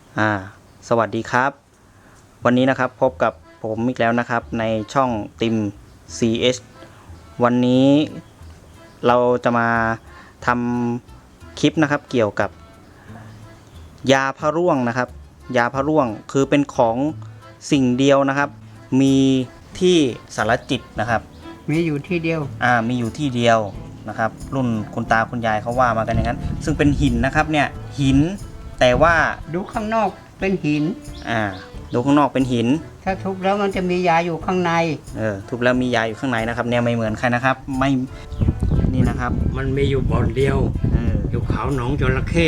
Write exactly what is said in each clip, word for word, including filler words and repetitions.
อ่าสวัสดีครับวันนี้นะครับพบกับผมอีกแล้วนะครับในช่องติม ซี เอช วันนี้เราจะมาทำคลิปนะครับเกี่ยวกับยาพะร่วงนะครับยาพะร่วงคือเป็นของสิ่งเดียวนะครับมีที่สารจิตนะครับมีอยู่ที่เดียวอ่ามีอยู่ที่เดียวนะครับรุ่นคุณตาคุณยายเขาว่ามากันอย่างนั้นซึ่งเป็นหินนะครับเนี่ยหินแต่ว่าดูข้างนอกเป็นหินอ่าดูข้างนอกเป็นหินถ้าทุบแล้วมันจะมียาอยู่ข้างในเออทุบแล้วมียาอยู่ข้างในนะครับเนี่ยไม่เหมือนใครนะครับไม่นี่นะครับมันมีอยู่บ่อนเดียวเอออยู่เขาหนองจระเข้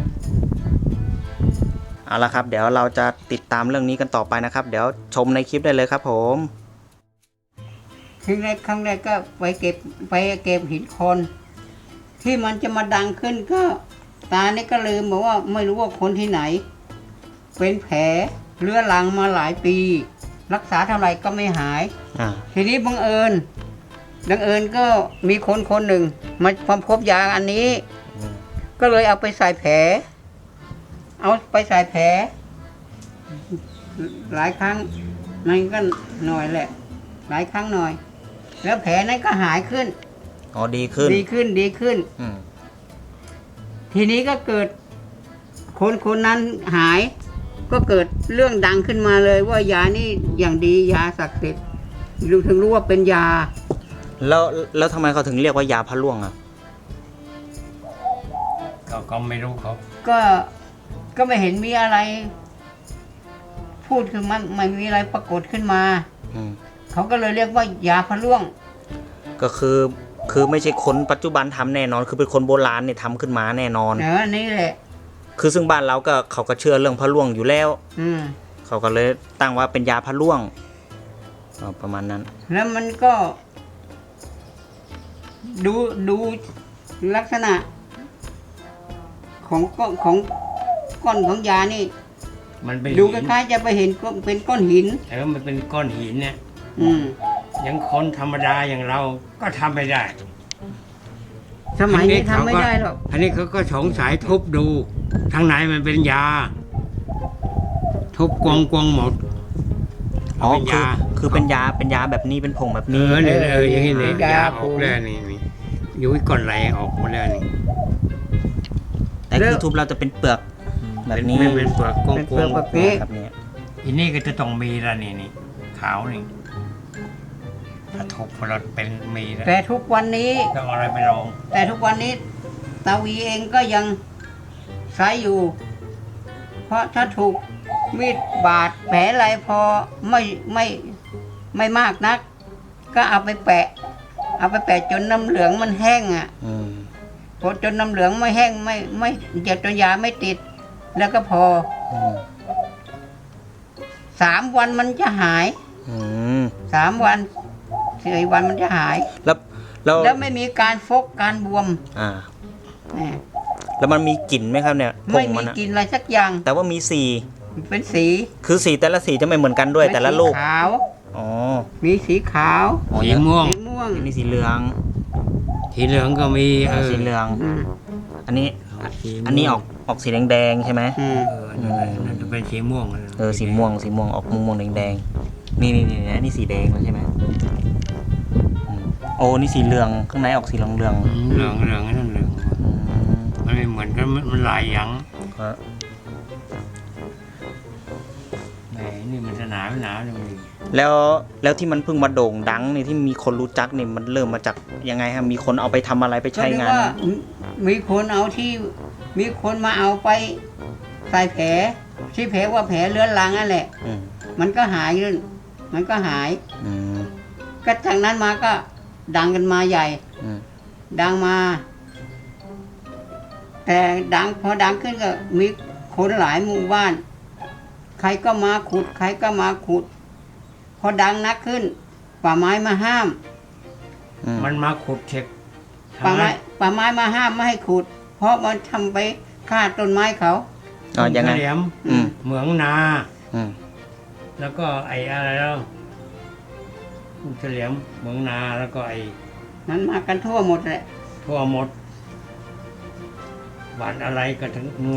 เอาละครับเดี๋ยวเราจะติดตามเรื่องนี้กันต่อไปนะครับเดี๋ยวชมในคลิปได้เลยครับผมครั้งแรกครั้งแรกก็ไปเก็บไปเก็บหินโคลนที่มันจะมาดังขึ้นก็ตาเนี่ยก็ลืมบอกว่าไม่รู้ว่าคนที่ไหนเป็นแผลเรื้อรังมาหลายปี รักษาเท่าไหร่ก็ไม่หายอ่าทีนี้บังเอิญบังเอิญก็มีคนคนหนึ่งมาพบพบยาอันนี้ก็เลยเอาไปใส่แผลเอาไปใส่แผลหลายครั้งมันก็หน่อยแหละหลายครั้งหน่อยแล้วแผลนั้นก็หายขึ้นอ๋อดีขึ้นดีขึ้นดีขึ้นอืมทีนี้ก็เกิดคนคนนั้นหายก็เกิดเรื่องดังขึ้นมาเลยว่ายานี่อย่างดียาศักดิ์สิทธิ์รู้ถึงรู้ว่าเป็นยาแล้วแล้วทำไมเขาถึงเรียกว่ายาพะร่วงอ่ะก็ก็ไม่รู้เขาก็ก็ไม่เห็นมีอะไรพูดคือมันไม่มีอะไรปรากฏขึ้นมาเขาก็เลยเรียกว่ายาพะร่วงก็คือคือไม่ใช่คนปัจจุบันทำแน่นอนคือเป็นคนโบราณเนี่ยทำขึ้นมาแน่นอนเออนี่แหละคือซึ่งบ้านเราก็เขาก็เชื่อเรื่องพะร่วงอยู่แล้วอืมเขาก็เลยตั้งว่าเป็นยาพะร่วงประมาณนั้นแล้วมันก็ดูดูลักษณะของก้อนของก้อนของยานี่มันเป็นดูคล้ายๆจะไปเห็นเป็นก้อนหินเออมันเป็นก้อนหินเนี่ยอืมยังคนธรรมดาอย่างเราก็ทำไม่ได้สมัยนี้ทำไม่ได้หรอกอันนี้เขาก็สงสัยทุบดูทางไหนมันเป็นยาทุบกวงกวงหมดอ๋อคือคือเป็นยาเป็นยาแบบนี้เป็นผงแบบนี้เออเนี่ยเอออย่างนี้เนี่ยยาออกแล้วนี่นี่ยุ้ยก้อนไหลออกหมดแล้วนี่แต่คือทุบเราจะเป็นเปลือกแบบนี้เป็นเปลือกกวงกวงแบบนี้ครับเนี่ยอันนี้ก็จะต้องมีละนี่นี่ขาวนี่ถ้าทุบเราเป็นมีแล้วแต่ทุกวันนี้ต้องอะไรไปลองแต่ทุกวันนี้ตาวีเองก็ยังใช้อยู่เพราะถ้าถูกมีดบาดแผลอะไรพอไม่ไม่ไม่มากนักก็เอาไปแปะเอาไปแปะจนน้ำเหลืองมันแห้งอ่ะพอจนน้ำเหลืองไม่แห้งไม่ไม่เจ็บจนยาไม่ติดแล้วก็พอสามวันมันจะหายสามวันสี่วันมันจะหายแล้วแล้วแล้วไม่มีการฟกการบวมอ่าแล้วมันมีกลิ่นไหมครับเนี่ยไม่มีกลิ่นอะไรสักอย่างแต่ว่ามีสีเป็นสีคือสีแต่ละสีจะไม่เหมือนกันด้วยแต่ละลูกขาวอ๋อมีสีขาวสีม่วงสีม่วงมีสีเหลืองสีเหลืองก็มีเออสีเหลืองอันนี้อันนี้ออกออกสีแดงๆใช่ไหมเออนั่นจะเป็นสีม่วงเออสีม่วงสีม่วงออกม่วงแดงๆนี่นี่นี่นี่สีแดงแล้วใช่ไหมโอ้นี่สีเหลืองข้างในออกสีเหลืองเหลืองเหลืองเหลืองนั่นเหลืองมันไม่เหมือนกันมันหลายอย่างแหมนี่มันจะหนาไม่หนาเลยแล้วแล้วที่มันเพิ่งมาโด่งดังนี่ที่มีคนรู้จักนี่มันเริ่มมาจากยังไงครับมีคนเอาไปทำอะไรไปใช้งานมีคนเอาที่มีคนมาเอาไปใส่แผลที่แผลว่าแผลเลื้อนลังนั่นแหละมันก็หายขึ้นมันก็หายก็จากนั้นมาก็ดังกันมาใหญ่ดังมาแต่ดังพอดังขึ้นก็มีคนหลายหมู่บ้านใครก็มาขุดใครก็มาขุดพอดังนักขึ้นป่าไม้มาห้ามมันมาขุดเช็คป่าไม้ป่าไม้มาห้ามไม่ให้ขุดเพราะมันทำไปฆ่าต้นไม้เขาอ๋อยังไงเหมืองนาแล้วก็ไอ้อะไรแล้วเฉลียมเหมืองนาแล้วก็ไอ้นั้นมากันทั่วหมดแหละทั่วหมดบ้านอะไรก็ถึงนู่นนะ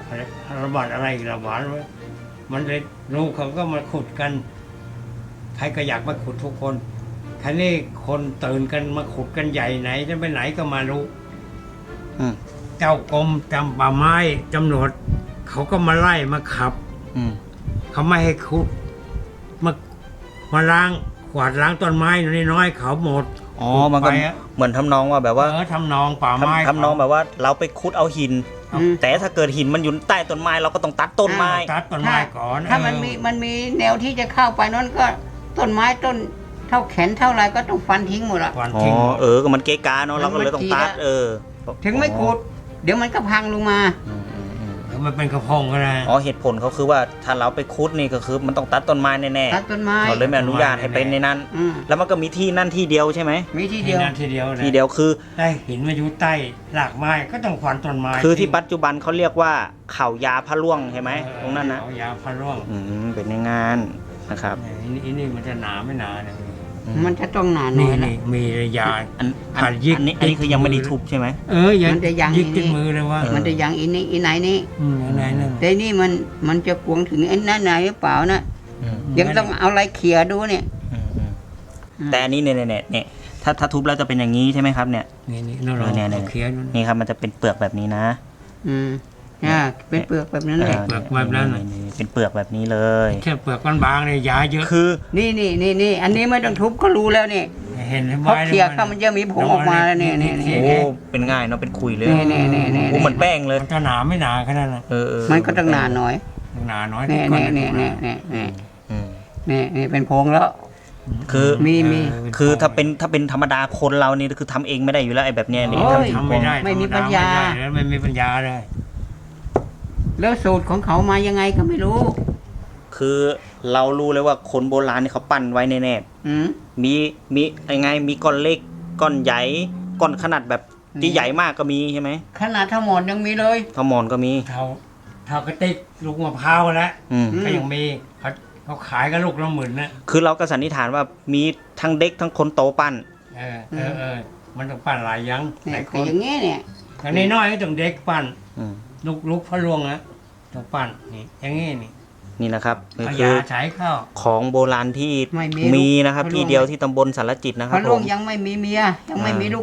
ระบาดอะไรอีกระบาดไว้มันเลยลูกเขาก็มาขุดกันใครก็อยากมาขุดทุกคนคันนี้คนตื่นกันมาขุดกันใหญ่ไหนจะไปไหนก็มารู้อืมเจ้ากรมจำป่าไม้จำหนวดเขาก็มาไล่มาขับอืมเขาไม่ให้ขุดมามาล้างขวาดล้างต้นไม้น้อยๆเขาหมดอ๋อมันก็ไปอะเหมือนทำนองว่าแบบว่าเออทำนองป่าไม้ทำทำนองแบบว่าเราไปขุดเอาหินอืมแต่ถ้าเกิดหินมันอยู่ใต้ต้นไม้เราก็ต้องตัดต้นไม้ตัดต้นไม้ก่อนถ้ามันเออมีมันมีแนวที่จะเข้าไปนั้นก็ต้นไม้ต้นเท่าแขนเท่าไรก็ต้องฟันทิ้งหมดอะควันอ๋อทิ้งหมดเออก็มันเกะกาเนาะเราก็เลยต้องตัดมันจีดอะเออถึงไม่ขุดเดี๋ยวมันก็พังลงมาอืมอืมอืมแล้วมันเป็นกระพงก็ได้อ๋อเหตุผลเขาคือว่าถ้าเราไปขุดนี่ก็คือมันต้องตัดต้นไม้แน่ตัดต้นไม้ๆเขาเลยไม่อนุญาตให้เป็นในนั้นอืมแล้วมันก็มีที่นั่นที่เดียวใช่ไหมมีที่ทีเดียวนั้นทีเดียวนะที่เดียวคือได้หินมาอยู่ใต้รากไม้ก็ต้องควันต้นไม้คือที่ปัจจุบันเขาเรียกว่าเขายาพระล่วงใช่ไหมตรงนั้นนะเอายาพะร่วงอืมเป็นในงานนะครับเนี่ยอันนี้อันนี้มันจะหนาไม่หนาเนี่ยอืมันจะต้องหนาหน่นี่อยนะนี่มียาอันอันขาดยิกอันนี้อันนี้คือยังไม่ได้ทุบใช่ไหมเออยังมันจะยังยิกอีนี่ติดมือเลยว่าเออมันจะยังอีนี้อีไหนนี่อืมอันไหนนั่นแต่นี่มันมันจะกวงถึงไอ้นั่นไหนหรือเปล่านะอืมยังต้องเอาอะไรเขี่ยดูเนี่ยอืมอืมแต่อันนี้เนี่ยเนี่ยเนี่ยถ้าถ้าทุบแล้วจะเป็นอย่างนี้ใช่ไหมครับเนี่ยนี่นี่เราลเอองอเนี่ยเนี่ยเอาเขียนดูนี่ครับมันจะเป็นเปลือกแบบนี้นะอืมอ่าเป็นเปลือกแบบนั้นเลยเปลือกแบบนั้นน่ะนี่เป็นเปลือกแบบนี้เลยแค่เปลือกบางๆเนี่ยยาเยอะคือนี่นี่นี่นี่อันนี้ไม่ต้องทุบก็รู้แล้วนี่เห็นไหมเพราะเขี่ยเข้ามันจะมีผงออกมาแล้วเนี่ยเนี่ยเนี่ยโอ้เป็นง่ายเนาะเป็นคุยเลยนี่นี่นี่นี่โอ้เหมือนแป้งเลยมันจะหนาไม่หนาขนาดนั้นเออเออมันก็ต้องหนาหน่อยหนาน้อยนี่ก่อนี่นี่หานี่นี่นี่อืมนี่นี่เป็นพงแล้วคือมีมีเอคือถ้าเป็นถ้าเป็นธรรมดาคนเรานี่คือทำเองไม่ได้อยู่แล้วไอ้แบบเนี้ยนี่โอ้ยทำทำไม่ได้ไม่มีปัญญาทำไม่ได้แล้วไม่มีปัญญาเลยแล้วสูตรของเขามายังไงก็ไม่รู้คือเรารู้เลยว่าคนโบราณนี่เขาปั้นไว้แน่อืมๆมีมียังไงมีก้อนเล็กก้อนใหญ่ก้อนขนาดแบบที่ใหญ่มากก็มีใช่ไหมขนาดทั้งหมดยังมีเลยขมอนก็มีเท่าเท่ากระติกลูกมะพร้าวแล้วอืมอืมก็ยังมีเขาเขาขายกันลูกละหมื่นนะคือเราก็สันนิษฐานว่ามีทั้งเด็กทั้งคนโตปั้นเออเออเออมันต้องปั้นหลายอยังหเนี่ลาย ยคแต่นอย่างงี้เนี่ยอย่างนี้น้อยก็ต้องเด็กปั้นอืมลูกลูกพระลวงนะต้องปั้นนี่อย่างงี้นี่นี่นะครับนี่เอาคืยาอใช้เข้าของโบราณที่ไม่มีมีนะครับลูกที่เดียวที่ตำบลสารจิตนะคพรับระผลุงมยังไม่มีเมียยังไม่มีลูก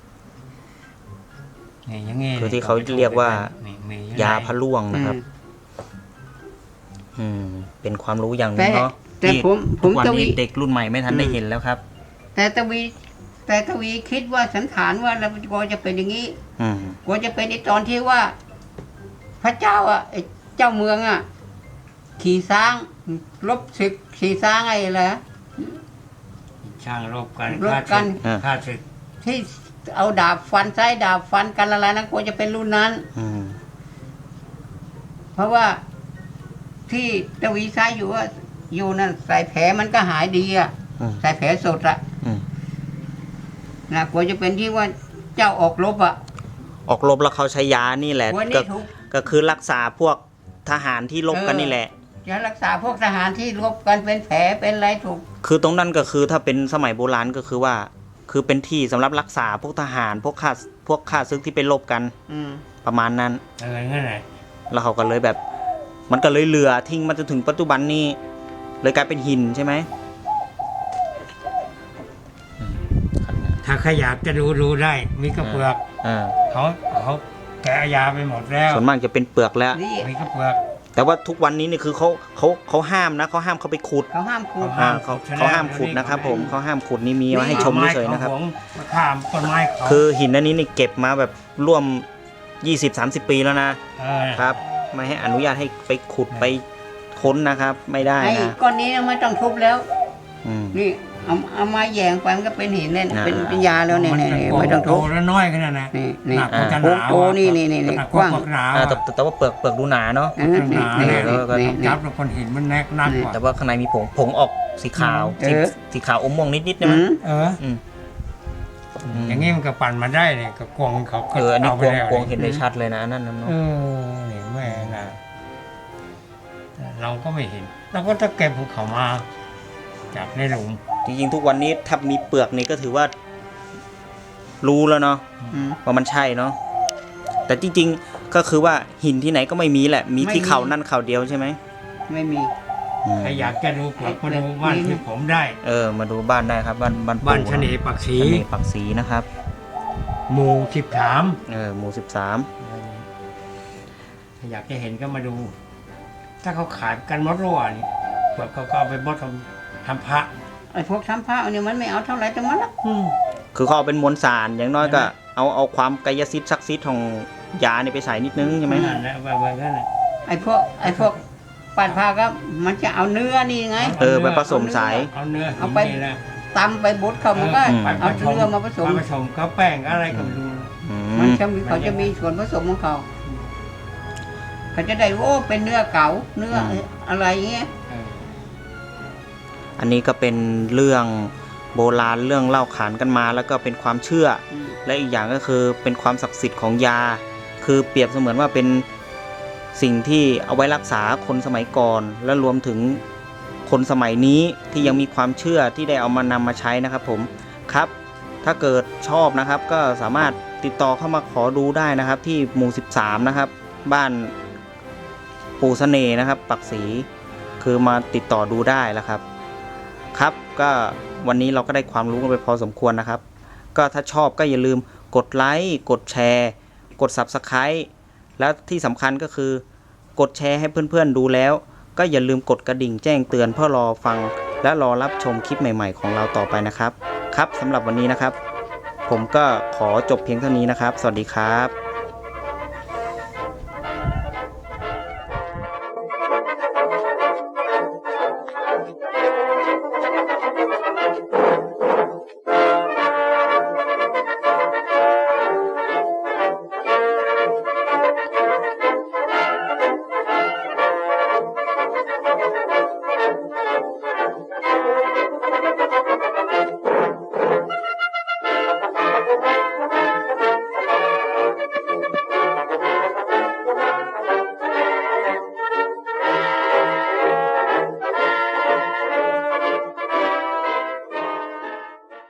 นี่อย่างงี้คือที่เขาเรียกว่านี่มียาพะล่วงนะครับอืมอืมเป็นความรู้อย่างหนึแต่งเนาะแต่ที่ผมผทุมกวันจะนี้วิเด็กรุ่นใหม่ไม่ทันได้อืมเห็นแล้วครับแต่ตวีแต่ตวีคิดว่าสันฐานว่าเรากลัวจะเป็นอย่างนี้อืมกลัวจะเป็นในตอนที่ว่า พระเจ้าอ่ะไอ้เจ้าเมืองอ่ะ ขี่ช้างลบศึกขี่ช้างไอ้อะไรนะช่างรบกันรบกันฆ่าศึกที่เอาดาบฟันซ้ายดาบฟันกันอะไรนะกลัวจะเป็นรุ่นนั้นอืมเพราะว่าที่ตวีใช้อยู่ว่าอยู่นั่นใส่แผลมันก็หายดีอ่ะอืมใส่แผลสดอ่ะอืมนะกลัวจะเป็นที่ว่าเจ้าออกรบอ่ะออกรบแล้วเขาใช้ยานี่แหละกลัวก็นี่ถูกก็คือรักษาพวกทหารที่รบกันนี่แหละจะรักษาพวกทหารที่รบกันเป็นแผลเป็นอะไรถูกคือตรงนั้นก็คือถ้าเป็นสมัยโบราณก็คือว่า คือเป็นที่สำหรับรักษาพวกทหารพวกข้าพวกข้าศึกที่ไปรบกันอืมประมาณนั้นเอองั้นแหละแล้วเขาก็เลยแบบ มันก็เลยเหลือทิ้งมาจนถึงปัจจุบันนี้เลยกลายเป็นหินใช่ไหมอืมครับถ้าใครอยากจะดูดูได้ มีกระเปลือกอ่าเขาเขาแกะยาไปหมดแล้วส่วนมากจะเป็นเปลือกแล้วนี่มีกระเปลือกแต่ว่าทุกวันนี้นี่คือเขาเขาเขาห้ามนะเขาห้ามเขาไปขุดเขาห้ามขูดอ่าเขาเขาห้ามขุดนะครับผมเขาห้ามขุดนี่มีไว้ให้ชมเฉยๆนะครับไม้เขาหวงมาข้ามต้นไม้เขาคือหินอันนี้นี่เก็บมาแบบร่วม ยี่สิบสามสิบ ปีแล้วนะเออครับ ไม่ให้อนุญาตให้ไปขุดไปค้นนะครับ ไม่ได้ไอ้นะก้อนนี้ไม่ต้องทุบแล้วอืมนี่เอาเอามาแยงไปมันก็เป็นหินเนี่ยอ่าเป็นเป็นยาแล้วเนี่ยมันเนี่ยจะเนี่ยไม่ต้องโตทุบแล้วน้อยขนาดนั้นนี่นี่หนักกว่าจะหโอ้นาวโหนี่นี่นี่นี่หนักกกว่าว้างพวกหนาวอ่าอะแต่แต่แต่ว่าเปลือกเปลือกดูหนาเนาะอ่านี่หนานี่เนี่ยนี่ก็นี่ต้องจับแล้วคนเห็นมันแนกนักกว่าแต่ว่าข้างในมีผงผงออกสีขาวสีเออสีขาวอมม่วงนิดๆนะอืมั้ยมเอออืม มอย่างงี้มันก็ปั่นมาได้เนี่ยก็กวงเขาก็เอออันนี้าก ไปวงแล้วกวงเห็นได้ชัดเลยนะอันนั่นนะเนาะเออนี่แม่นะเราก็ไม่เห็นเราก็จะเก็บภูเขามาจากในหลุมจริงๆทุกวันนี้ถ้ามีเปลือกนี่ก็ถือว่า รู้แล้วเนาะอืมว่ามันใช่เนาะแต่จริงก็คือว่าหินที่ไหนก็ไม่มีแหละ มีที่เขานั่นเขาเดียวใช่ไหมไม่มีอืมใครอยากจะดูกลับมาดูบ้านที่ผมได้เออมาดูบ้านได้ครับบ้านบ้านปู่บ้านชะเนปักศรีชะเนปักศรีนะครับหมู่สิบสามเออหมู่สิบสามถ้าอยากจะเห็นก็มาดู ถ้าเขาขายกันมดรั่วนี่พวกเขาก็เอาไปบดทำทำพระไอ้พวกทำผ้าเนี่ยมันไม่เอาเท่าไหร่แต่มันละคือเขาเอาเป็นมวลสารอย่างน้อยก็เอาเอาความกายสิทธิ์ศักดิ์สิทธิ์ของยาเนี่ยไปใส่นิดนึงใช่ไหมนั่นแหละแบบนั้นแหละไอ้พวกไอ้พวกปาดผ้าก็มันจะเอาเนื้อนี่ไงเออไปผสมสายเอาเนื้อหิเอานไปนี่นะตำไปบดเขามันก็อืมเอาเนื้อมาผสมมาผสมก็แป้งอะไรก็ไม่รู้อืมันมจะมีเขาจะมีส่วนผสมของเขาเขาจะได้โอ้เป็นเนื้อเก๋าเนื้ออะไรเงี้ยเอออันนี้ก็เป็นเรื่องโบราณเรื่องเล่าขานกันมาแล้วก็เป็นความเชื่ออืมและอีกอย่างก็คือเป็นความศักดิ์สิทธิ์ของยา คือเปรียบเสมือนว่าเป็นสิ่งที่เอาไว้รักษาคนสมัยก่อน และรวมถึงคนสมัยนี้ที่ยังมีความเชื่อที่ได้เอามานำมาใช้นะครับผมครับ ถ้าเกิดชอบนะครับก็สามารถติดต่อเข้ามาขอดูได้นะครับ ที่หมู่สิบสามนะครับ บ้านปู่เสน่ห์นะครับ ปักศรีคือมาติดต่อดูได้แล้วครับ ครับก็วันนี้เราก็ได้ความรู้กันไปพอสมควรนะครับ ก็ถ้าชอบก็อย่าลืมกดไลค์กดแชร์กด ซับสไครบ์ แล้วที่สำคัญก็คือกดแชร์ให้เพื่อนๆดูแล้ว ก็อย่าลืมกดกระดิ่งแจ้งเตือนเพื่อรอฟังและรอรับชมคลิปใหม่ๆของเราต่อไปนะครับครับสำหรับวันนี้นะครับ ผมก็ขอจบเพียงเท่านี้นะครับ สวัสดีครับ